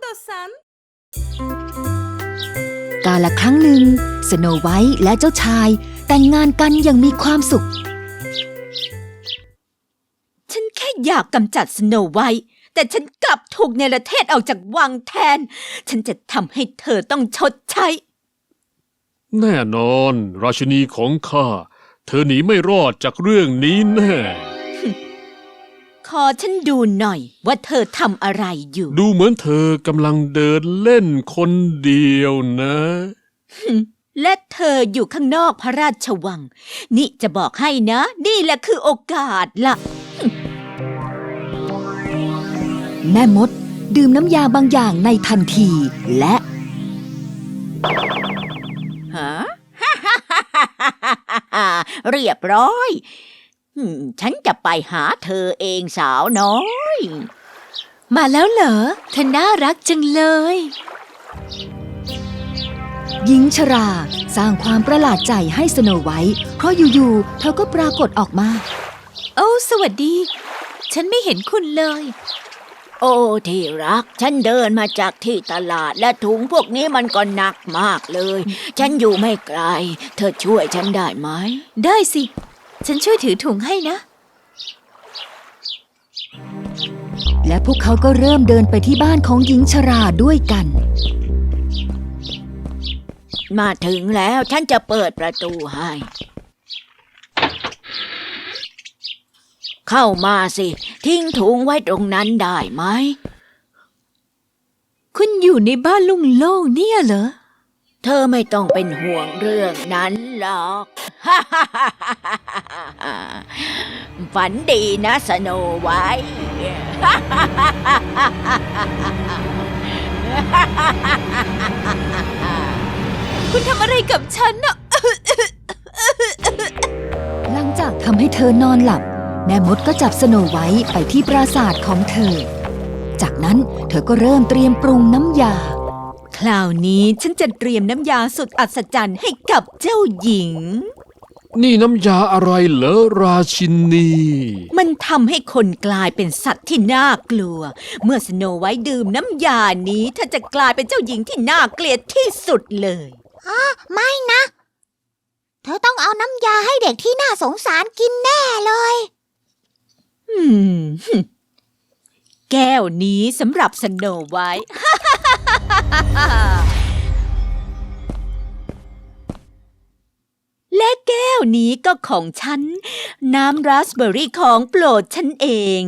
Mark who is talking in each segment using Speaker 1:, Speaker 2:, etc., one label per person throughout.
Speaker 1: さん
Speaker 2: กาลครั้งหนึ่งสโนไวท์และเจ้าชายแต่งงานกันอย่างมีความสุข
Speaker 3: ฉันแค่อยากกำจัดสโนไวท์แต่ฉันกลับถูกเนรเทศออกจากวังแทนฉันจะทำให้เธอต้องชดใช้
Speaker 4: แน่นอนราชินีของข้าเธอหนีไม่รอดจากเรื่องนี้แน่
Speaker 3: ขอฉันดูหน่อยว่าเธอทำอะไรอยู่
Speaker 4: ดูเหมือนเธอกำลังเดินเล่นคนเดียวนะ
Speaker 3: และเธออยู่ข้างนอกพระราชวังนี่จะบอกให้นะนี่แหละคือโอกาสล่ะ
Speaker 2: แม่มดดื่มน้ำยาบางอย่างในทันทีและ
Speaker 3: ฮะ เรียบร้อยฉันจะไปหาเธอเองสาวน้อย
Speaker 2: มาแล้วเหรอเธอน่ารักจังเลยหญิงชราสร้างความประหลาดใจให้สโนไวท์เพราะอยู่ๆเธอก็ปรากฏออกมาโอ้สวัสดีฉันไม่เห็นคุณเลย
Speaker 3: โอ้ที่รักฉันเดินมาจากที่ตลาดและถุงพวกนี้มันก็หนักมากเลยฉันอยู่ไม่ไกลเธอช่วยฉันได้ไหม
Speaker 2: ได้สิฉันช่วยถือถุงให้นะและพวกเขาก็เริ่มเดินไปที่บ้านของหญิงชราด้วยกัน
Speaker 3: มาถึงแล้วฉันจะเปิดประตูให้เข้ามาสิทิ้งถุงไว้ตรงนั้นได้ไหม
Speaker 2: คุณอยู่ในบ้านโล่งๆเนี่ยเหรอ
Speaker 3: เธอไม่ต้องเป็นห่วงเรื่องนั้นหรอก ฝันดีนะสโนไวท์
Speaker 2: คุณทำอะไรกับฉันน่ะ หลังจากทำให้เธอนอนหลับแม่มดก็จับสโนไวท์ไปที่ปราสาทของเธอจากนั้นเธอก็เริ่มเตรียมปรุงน้ำยา
Speaker 3: คราวนี้ฉันจะเตรียมน้ำยาสุดอัศจรรย์ให้กับเจ้าหญิง
Speaker 4: นี่น้ำยาอะไรเหรอราชินี
Speaker 3: มันทำให้คนกลายเป็นสัตว์ที่น่ากลัวเมื่อสโนไวท์ดื่มน้ำยานี้เธอจะกลายเป็นเจ้าหญิงที่น่าเกลียดที่สุดเลย
Speaker 1: ไม่นะเธอต้องเอาน้ำยาให้เด็กที่น่าสงสารกินแน่เลย
Speaker 3: แก้วนี้สำหรับสโนไวท์ และแก้วนี้ก็ของฉันน้ำราสเบอร์รี่ของโปรดฉันเอง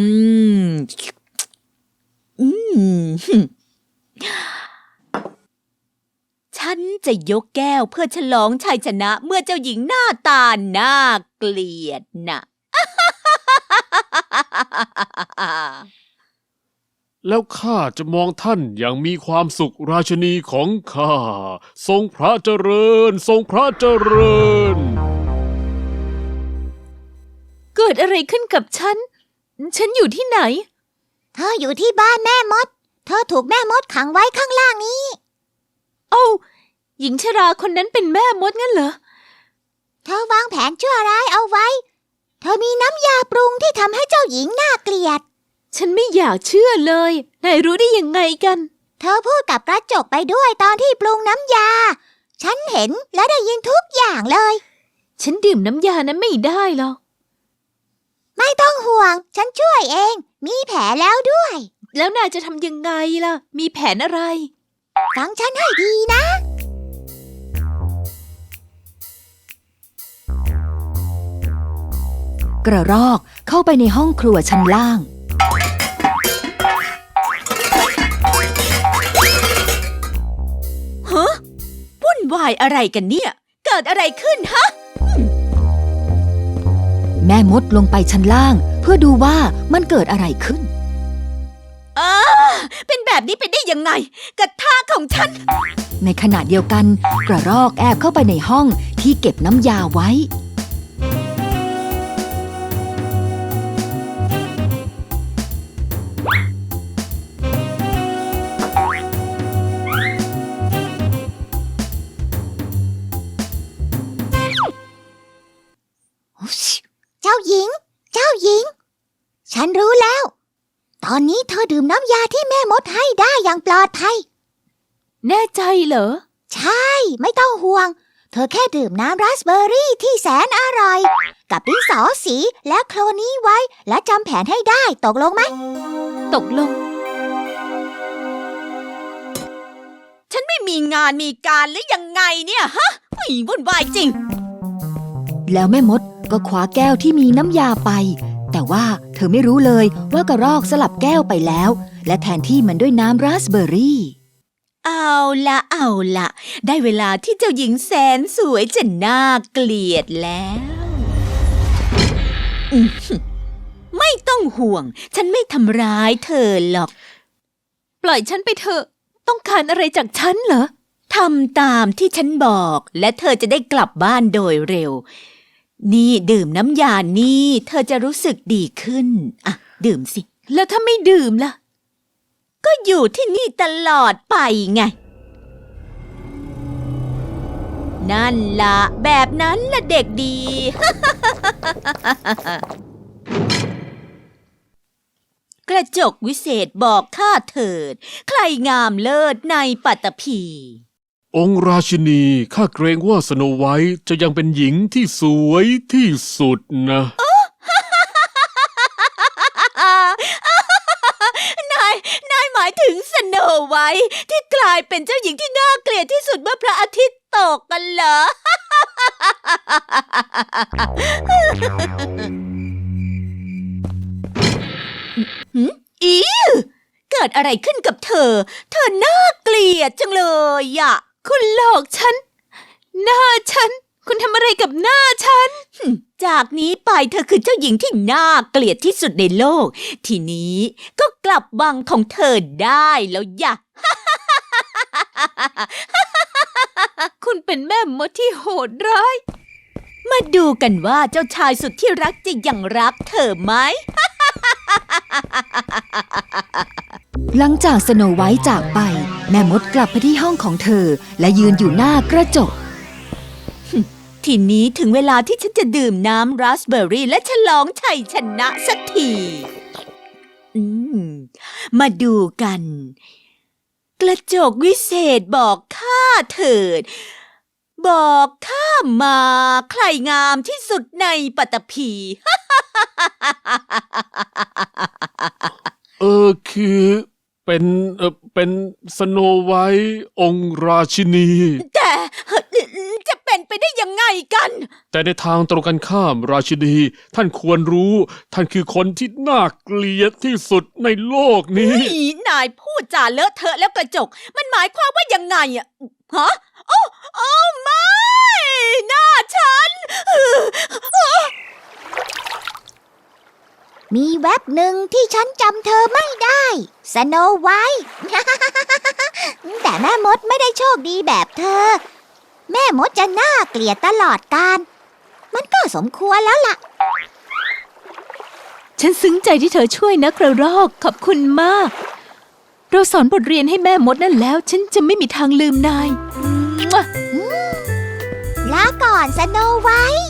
Speaker 3: ฉันจะยกแก้วเพื่อฉลองชัยชนะเมื่อเจ้าหญิงหน้าตาน่าเกลียดน่ะ
Speaker 4: แล้วข้าจะมองท่านอย่างมีความสุขราชินีของข้าทรงพระเจริญทรงพระเจริญ
Speaker 2: เกิดอะไรขึ้นกับฉันอยู่ที่ไหน
Speaker 1: เธออยู่ที่บ้านแม่มดเธอถูกแม่มดขังไว้ข้างล่างนี้
Speaker 2: โอ้หญิงชราคนนั้นเป็นแม่มดงั้นเหรอ
Speaker 1: เธอวางแผนชั่วร้ายเอาไว้เธอมีน้ำยาปรุงที่ทำให้เจ้าหญิงน่าเกลียด
Speaker 2: ฉันไม่อยากเชื่อเลยนายรู้ได้ยังไงกัน
Speaker 1: เธอพูดกับกระจกไปด้วยตอนที่ปรุงน้ำยาฉันเห็นและได้ยินทุกอย่างเลย
Speaker 2: ฉันดื่มน้ำยานั้นไม่ได้หรอก
Speaker 1: ไม่ต้องห่วงฉันช่วยเองมีแผลแล้วด้วย
Speaker 2: แล้วนายจะทำยังไงล่ะมีแผนอะไร
Speaker 1: ฟังฉันให้ดีนะ
Speaker 2: กระรอกเข้าไปในห้องครัวชั้นล่าง
Speaker 3: ฮะวุ่นวายอะไรกันเนี่ยเกิดอะไรขึ้นฮะ
Speaker 2: แม่มดลงไปชั้นล่างเพื่อดูว่ามันเกิดอะไรขึ้น
Speaker 3: เป็นแบบนี้ไปได้ยังไงกระทะของฉัน
Speaker 2: ในขณะเดียวกันกระรอกแอบเข้าไปในห้องที่เก็บน้ำยาไว้
Speaker 1: เจ้าหญิงฉันรู้แล้วตอนนี้เธอดื่มน้ำยาที่แม่มดให้ได้อย่างปลอดภัย
Speaker 2: แน่ใจเหรอ
Speaker 1: ใช่ ไม่ต้องห่วง เธอแค่ดื่มน้ำราสเบอร์รี่ที่แสนอร่อย กับดินสอสีและโคลนี้ไว้ และจำแผนให้ได้ตกลงไหม
Speaker 2: ตกลง
Speaker 3: ฉันไม่มีงานมีการหรือยังไงเนี่ยฮะวุ่นวายจริง
Speaker 2: แล้วแม่มดก็คว้าแก้วที่มีน้ำยาไป แต่ว่าเธอไม่รู้เลยว่ากระรอกสลับแก้วไปแล้ว และแทนที่มันด้วยน้ำราสเบอร์รี่
Speaker 3: เอาละได้เวลาที่เจ้าหญิงแสนสวยจะน่าเกลียดแล้วไม่ต้องห่วง ฉันไม่ทำร้ายเธอหรอก
Speaker 2: ปล่อยฉันไปเถอะ ต้องการอะไรจากฉันเหรอ
Speaker 3: ทำตามที่ฉันบอกและเธอจะได้กลับบ้านโดยเร็ว นี่ดื่มน้ำยานี่เธอจะรู้สึกดีขึ้นอ่ะดื่มสิ
Speaker 2: แล้วถ้าไม่ดื่มล่ะ
Speaker 3: ก็อยู่ที่นี่ตลอดไปไง นั่นละแบบนั้นละเด็กดี กระจกวิเศษบอกข้าเถิด ใครงามเลิศในปัตตภี
Speaker 4: องค์ราชินีข้าเกรงว่าสโนไวท์จะยังเป็นหญิงที่สวยที่สุดนะ
Speaker 3: นายหมายถึงสโนไวท์ที่กลายเป็นเจ้าหญิงที่น่าเกลียดที่สุดเมื่อพระอาทิตย์ตกกันเหรอ อีเกิดอะไรขึ้นกับเธอ เธอน่าเกลียดจังเลยอะ
Speaker 2: คุณหลอกฉัน หน้าฉัน คุณทำอะไรกับหน้าฉัน
Speaker 3: จากนี้ไปเธอคือเจ้าหญิงที่น่าเกลียดที่สุดในโลก ทีนี้ก็กลับวังของเธอได้แล้วย่ะ
Speaker 2: คุณเป็นแม่มดที่โหดร้าย
Speaker 3: มาดูกันว่าเจ้าชายสุดที่รักจะยังรักเธอไหม
Speaker 2: หลังจากสโนไวท์จากไป แม่มดกลับไปที่ห้องของเธอ และยืนอยู่หน้ากระจก
Speaker 3: ทีนี้ถึงเวลาที่ฉันจะดื่มน้ำราสเบอร์รี่และฉลองชัยชนะสักทีมาดูกัน กระจกวิเศษบอกข้าเถิด บอกข้ามาใครงามที่สุดในปัตตภี
Speaker 4: คือเป็นสโนไวท์องค์ราชินี
Speaker 3: แต่จะเป็นไปได้ยังไงกัน
Speaker 4: แต่ในทางตรงกันข้ามราชินี ท่านควรรู้ ท่านคือคนที่น่าเกลียดที่สุดในโลกนี้
Speaker 3: นายพูดจาเลอะเทอะแล้วกระจก มันหมายความว่ายังไงอะฮะโอ้ไม่หน้าฉัน
Speaker 1: มีแว็บหนึ่งที่ฉันจำเธอไม่ได้สโนไวท์ แต่แม่มดไม่ได้โชคดีแบบเธอ แม่มดจะน่าเกลียดตลอดกาลมันก็สมควรแล้วล่ะ
Speaker 2: ฉันซึ้งใจที่เธอช่วยนะกระรอก ขอบคุณมาก เราสอนบทเรียนให้แม่มดนั่นแล้ว ฉันจะไม่มีทางลืมนาย
Speaker 1: ลาก่อนสโนไวท์